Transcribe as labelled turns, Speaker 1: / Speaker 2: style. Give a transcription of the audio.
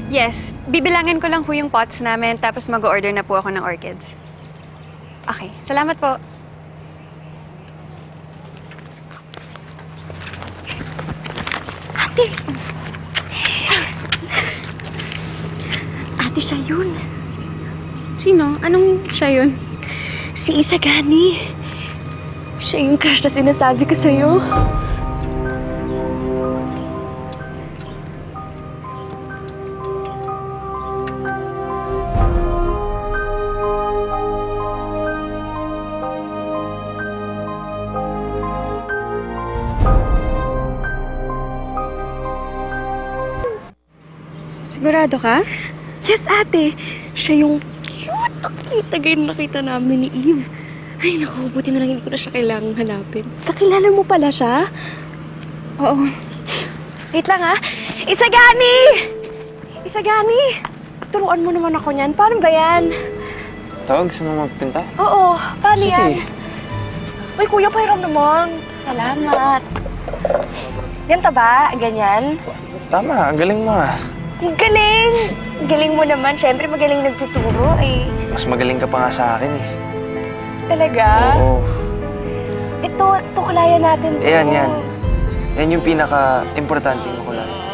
Speaker 1: Yes, bibilangin ko lang ho yung pots namin tapos mag-order na po ako ng orchids. Okay, salamat po.
Speaker 2: Ate! Ate, siya yun.
Speaker 1: Sino? Anong siya yun?
Speaker 2: Si Isagani. Siya yung crush na sinasabi ko sa'yo.
Speaker 1: Sigurado ka?
Speaker 2: Yes, ate. Siya yung cute na guy na nakita namin ni Eve. Ay, naku, buti na lang hindi ko na siya kailangang hanapin. Kakilala mo pala siya?
Speaker 1: Oo.
Speaker 2: Wait lang, ha? Isagani! Isagani! Turuan mo naman ako niyan. Paano ba yan?
Speaker 3: Tawag sa mga magpinta?
Speaker 2: Oo, paano
Speaker 3: Sige.
Speaker 2: yan? Uy, kuya, pairam naman. Salamat. Ganito ba? Ganyan?
Speaker 3: Tama, ang galing mo ah.
Speaker 2: Ang galing! Ang galing mo naman. Siyempre, magaling nagtuturo. Eh,
Speaker 3: Mas magaling ka pa nga sa akin eh.
Speaker 2: talaga?
Speaker 3: Oo.
Speaker 2: Ito, kulayan natin to.
Speaker 3: Yan. Yan yung pinaka-importante mo ko lang.